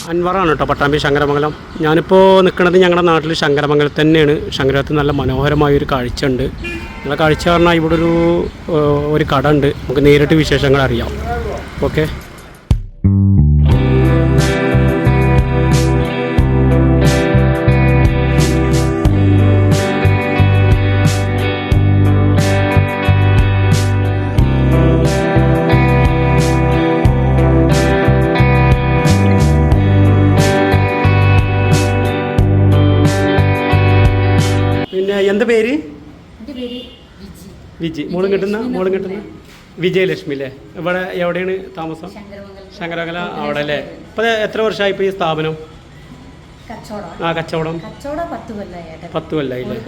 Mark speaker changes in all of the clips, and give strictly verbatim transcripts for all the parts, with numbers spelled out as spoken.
Speaker 1: അൻവറാണ് കേട്ടോ, പട്ടാമ്പി ശങ്കരമംഗലം. ഞാനിപ്പോൾ നിൽക്കുന്നത് ഞങ്ങളുടെ നാട്ടിൽ ശങ്കരമംഗലത്ത് തന്നെയാണ്. ശങ്കരത്ത് നല്ല മനോഹരമായൊരു കാഴ്ച ഉണ്ട്. നല്ല കാഴ്ച പറഞ്ഞാൽ ഇവിടെ ഒരു ഒരു കട ഉണ്ട്. നമുക്ക് നേരിട്ട് വിശേഷങ്ങൾ അറിയാം. ഓക്കെ. എന്താ പേര്? വിജി. മോളും കിട്ടുന്ന മോളും കിട്ടുന്ന വിജയലക്ഷ്മി അല്ലേ? ഇവിടെ എവിടെയാണ് താമസം? ശങ്കരമംഗലം അവിടെ അല്ലേ? ഇപ്പം എത്ര വർഷമായി ഇപ്പോൾ ഈ സ്ഥാപനം? ആ കച്ചവടം പത്ത് കൊല്ലായില്ലേ?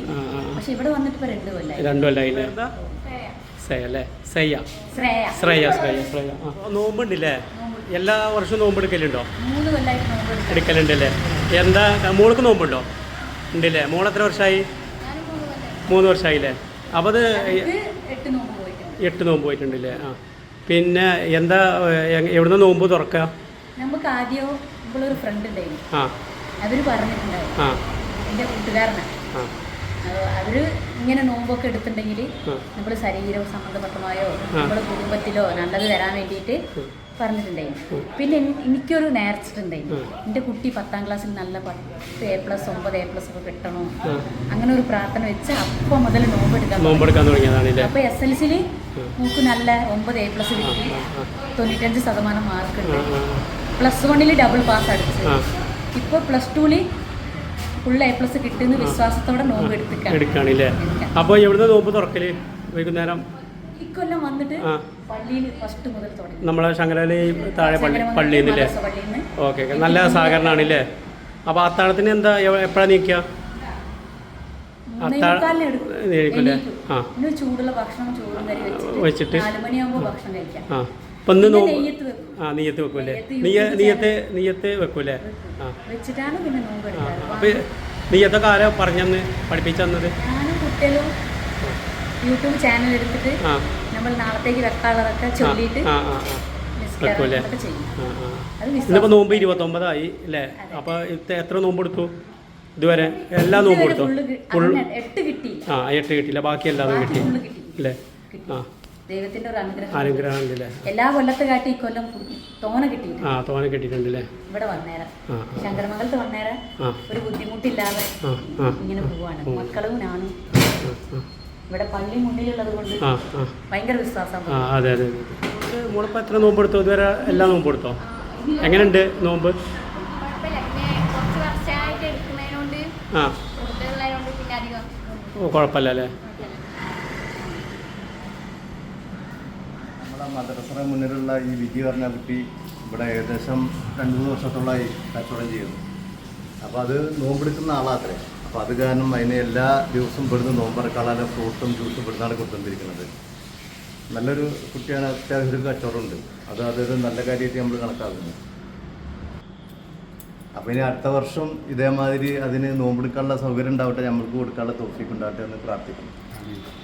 Speaker 1: രണ്ടു കൊല്ലായില്ലേ? സയ അല്ലേ? സയ്യ ശ്രേയ ശ്രേയ ശ്രേയ. നോമ്പുണ്ടല്ലേ? എല്ലാ വർഷവും നോമ്പ് എടുക്കലുണ്ടോ? എടുക്കലുണ്ടല്ലേ? എന്താ മോൾക്ക് നോമ്പുണ്ടോ? ഉണ്ടല്ലേ? മോൾ എത്ര വർഷമായി? മൂന്ന് വർഷമായില്ലേ? അപ്പോൾ അത് എട്ട് നോമ്പ് പോയിട്ടുണ്ടല്ലേ? ആ പിന്നെ എന്താ എവിടുന്ന് നോമ്പ് തുറക്കുക?
Speaker 2: നമുക്ക് ആദ്യം ഒരു ഫ്രണ്ട് ഉണ്ടായിരുന്നു.
Speaker 1: ആ
Speaker 2: അവര് പറഞ്ഞിട്ടുണ്ടായിരുന്നു.
Speaker 1: ആ
Speaker 2: എൻ്റെ കൂട്ടുകാരനാണ്. അവര് ഇങ്ങനെ നോമ്പൊക്കെ എടുത്തിട്ടുണ്ടെങ്കിൽ നമ്മൾ ശരീരം സംബന്ധപ്പെട്ടമായോ നമ്മുടെ കുടുംബത്തിലോ നല്ലത് തരാൻ വേണ്ടിയിട്ട് പറഞ്ഞിട്ടുണ്ടായിരുന്നു. പിന്നെ എനിക്കൊരു നേർച്ചിട്ടുണ്ടായിരുന്നു, എൻ്റെ കുട്ടി പത്താം ക്ലാസ്സിൽ നല്ല പത്ത് എ പ്ലസ് ഒമ്പത് എ പ്ലസ് ഒക്കെ കിട്ടണോ, അങ്ങനെ ഒരു പ്രാർത്ഥന വെച്ച് അപ്പോൾ മുതൽ നോമ്പെടുക്കാൻ
Speaker 1: നോമ്പെടുക്കാൻ തുടങ്ങിയതാണ്.
Speaker 2: അപ്പോൾ എസ് എൽ സിയിൽ നമുക്ക് നല്ല ഒമ്പത് എ പ്ലസ് കിട്ടി, തൊണ്ണൂറ്റഞ്ച് ശതമാനം മാർക്ക് ഉണ്ട്. പ്ലസ് വണ്ണിൽ ഡബിൾ പാസ് അടിച്ച് ഇപ്പോൾ പ്ലസ് ടൂവിൽ ഫുൾ എ പ്ലസ് കിട്ടുന്ന വിശ്വാസത്തോടെ നോമ്പ്
Speaker 1: എടുക്കുകയാണല്ലേ? അപ്പോൾ എവിടുന്ന് നോമ്പ് തുറക്കല്? വൈകുന്നേരം
Speaker 2: ഇക്കൊല്ലം വന്നിട്ട് പള്ളിയിൽ ഫസ്റ്റ് മുതൽ തുടങ്ങി.
Speaker 1: നമ്മളെ ശങ്കരയിലെ താഴെ പള്ളി പള്ളിയിൽ നിന്നല്ലേ? Okay okay. നല്ല സഹകരണമാണല്ലേ? അപ്പോൾ അത്താഴത്തിന് എന്താ എപ്പോഴാണ് നീക്കുക?
Speaker 2: ആ ചൂടുള്ള ഭക്ഷണം ചോറും കറി വെച്ചിട്ട് നാല് മണിയാകുമ്പോൾ ഭക്ഷണം കഴിക്കാം.
Speaker 1: ആ അപ്പം ഇന്ന് ആ നെയ്യത്ത് വെക്കൂല്ലേ? നെയ്യ നെയ്യത്ത് നെയ്യത്ത് വെക്കൂല്ലേ? ആ
Speaker 2: വെച്ചിട്ടാണ് പിന്നെ നോമ്പ് എടുക്കാറ്.
Speaker 1: അപ്പം നെയ്യത്തൊക്കെ ആരാ പറഞ്ഞെന്ന് പഠിപ്പിച്ചു തന്നത്?
Speaker 2: ഞാനും കുട്ടികളും യൂട്യൂബ് ചാനൽ എടുത്തിട്ട് നമ്മൾ നാളത്തേക്ക് വെക്കാനുള്ളതൊക്കെ ചൊല്ലിയിട്ട്
Speaker 1: വെക്കൂല്ലേ? ഇന്നിപ്പോൾ നോമ്പ് ഇരുപത്തൊമ്പതായി അല്ലേ? അപ്പോൾ എത്ര നോമ്പ് എടുത്തു ഇതുവരെ? എല്ലാ നോമ്പ് എടുത്തോ?
Speaker 2: എട്ട് കിട്ടി.
Speaker 1: ആ എട്ട് കിട്ടിയില്ല, ബാക്കി എല്ലാതും കിട്ടി അല്ലേ? ആ
Speaker 2: ദൈവത്തിന്റെ ഒരു അനുഗ്രഹം
Speaker 1: അനുഗ്രഹം ഉണ്ടല്ലേ?
Speaker 2: എല്ലാ കൊല്ലത്തെ കാട്ടി ഈ കൊല്ലം തോന കിട്ടി.
Speaker 1: ആ തോന കിട്ടിയിട്ടുണ്ടല്ലേ?
Speaker 2: ഇവിടെ വന്നേരം ശങ്കരമംഗലത്ത് വന്നേരം ഒരു ബുദ്ധിമുട്ടില്ലാതെ ഇങ്ങനെ പോവാണ്. മക്കളും ഞാനും ഇവിടെ പള്ളി മുന്നിലുള്ളത് കൊണ്ട് ഭയങ്കര വിശ്വാസം.
Speaker 1: അതെ അതെ. മോളിപ്പോൾ എത്ര നോമ്പ് എടുത്തോ ഇതുവരെ? എല്ലാ നോമ്പ് എടുത്തോ? എങ്ങനെയുണ്ട് നോമ്പ്? ആ ഓ കുഴപ്പമില്ല അല്ലേ?
Speaker 3: നമ്മളെ മദ്രസയുടെ മുന്നിലുള്ള ഈ വിജി പറഞ്ഞ കുട്ടി ഇവിടെ ഏകദേശം രണ്ട് മൂന്ന് വർഷത്തോളമായി കച്ചവടം ചെയ്യുന്നു. അപ്പോൾ അത് നോമ്പെടുക്കുന്ന ആളാത്രേ. അപ്പോൾ അത് കാരണം അതിന് എല്ലാ ദിവസവും ഇവിടുന്ന് നോമ്പറക്കാളെ ഫ്രൂട്ടും ജ്യൂസും ഇവിടുന്നാണ് കൊടുത്തുകൊണ്ടിരിക്കുന്നത്. നല്ലൊരു കുട്ടിയാണ്, അത്യാവശ്യം ഒരു കച്ചവടമുണ്ട്. അത് അതൊരു നല്ല കാര്യമായിട്ട് നമ്മൾ കണക്കാക്കുന്നു. അപ്പോൾ ഇനി അടുത്ത വർഷം ഇതേമാതിരി അതിന് നോമ്പെടുക്കാനുള്ള സൗകര്യം ഉണ്ടാവട്ടെ, നമ്മൾക്ക് കൊടുക്കാനുള്ള തോഫീക്ക് ഉണ്ടാവട്ടെ എന്ന് പ്രാർത്ഥിക്കുന്നു.